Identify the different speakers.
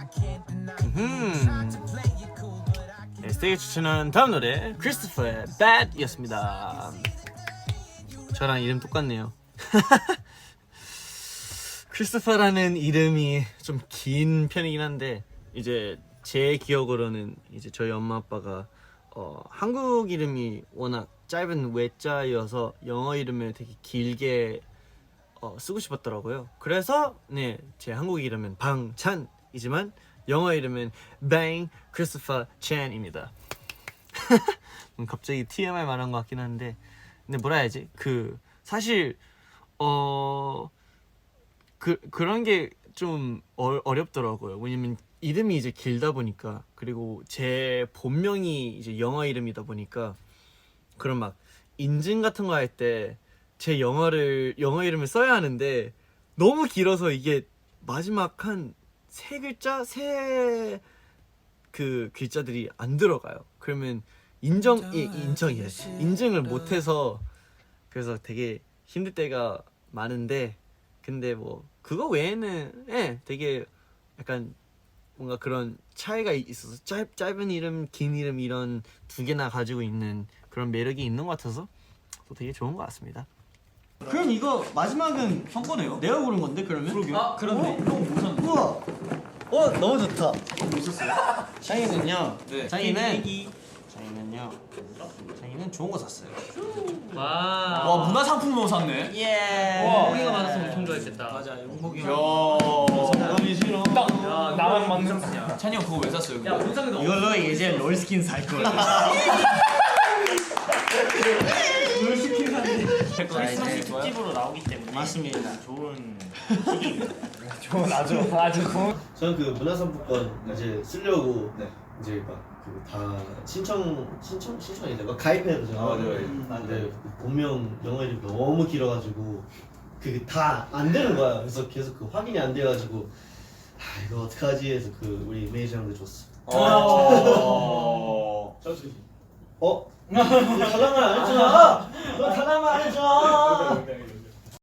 Speaker 1: 네, 스테이지 추천한 다음 노래 크리스토퍼의 Bad이었습니다. 저랑 이름 똑같네요. 크리스토퍼라는 이름이 좀 긴 편이긴 한데 이제 제 기억으로는 이제 저희 엄마 아빠가 한국 이름이 워낙 짧은 외자여서 영어 이름을 되게 길게 쓰고 싶었더라고요. 그래서 네, 제 한국 이름은 방찬이지만 영어 이름은 Bang Christopher Chan입니다. 갑자기 TMI 말한 것 같긴 한데, 근데 뭐라 해야지? 사실 그런 게 좀 어렵더라고요. 왜냐면 이름이 이제 길다 보니까, 그리고 제 본명이 이제 영어 이름이다 보니까 그런 막 인증 같은 거 할 때 제 영어 이름을 써야 하는데 너무 길어서 이게 마지막 한 세 글자들이 안 들어가요. 그러면 인증을 못해서 그래서 되게 힘들 때가 많은데, 근데 뭐 그거 외에는 되게 약간 뭔가 그런 차이가 있어서 짧은 이름, 긴 이름 이런 두 개나 가지고 있는 그런 매력이 있는 것 같아서 또 되게 좋은 것 같습니다. 그럼 이거 마지막은 형 거네요? 내가 고른 건데 그러면?
Speaker 2: 그러게요. 아 그런데 형뭐 샀는데?
Speaker 1: 우와! 너무 좋다.
Speaker 2: 뭐 샀어요?
Speaker 1: 창이는요.
Speaker 2: 네.
Speaker 1: 창이는 좋은 거 샀어요.
Speaker 2: 와 문화상품으로 샀네.
Speaker 1: 예.
Speaker 2: 와.
Speaker 3: 홍이가 많았으면 엄청 좋아했겠다.
Speaker 2: 맞아 용복이
Speaker 1: 야,
Speaker 2: 형.
Speaker 1: 싫어.
Speaker 3: 야, 나만 맞는 야,
Speaker 2: 찬이 형 그거 왜 샀어요?
Speaker 3: 야, 문상이도
Speaker 1: 이걸로 이제 롤스킨 살 거야. 롤스킨 사는데.
Speaker 3: 크리스마스 특집으로 나오기 때문에
Speaker 1: 맞습니다.
Speaker 3: 좋은
Speaker 2: 좋은 아주 좋은.
Speaker 4: 저는 그 문화상품권 이제 쓰려고
Speaker 2: 네.
Speaker 4: 이제 막 다 신청이 막 가입해야죠.
Speaker 2: 맞아요.
Speaker 4: 근데 본명 영어 이름이 너무 길어가지고 그게 다 안 되는 거야. 그래서 계속 그 확인이 안 돼가지고 이거 어떡하지 해서 그 우리 매니저 형들 줬어. 너 달라만 안 했잖아. 너 달라만 안 했잖아.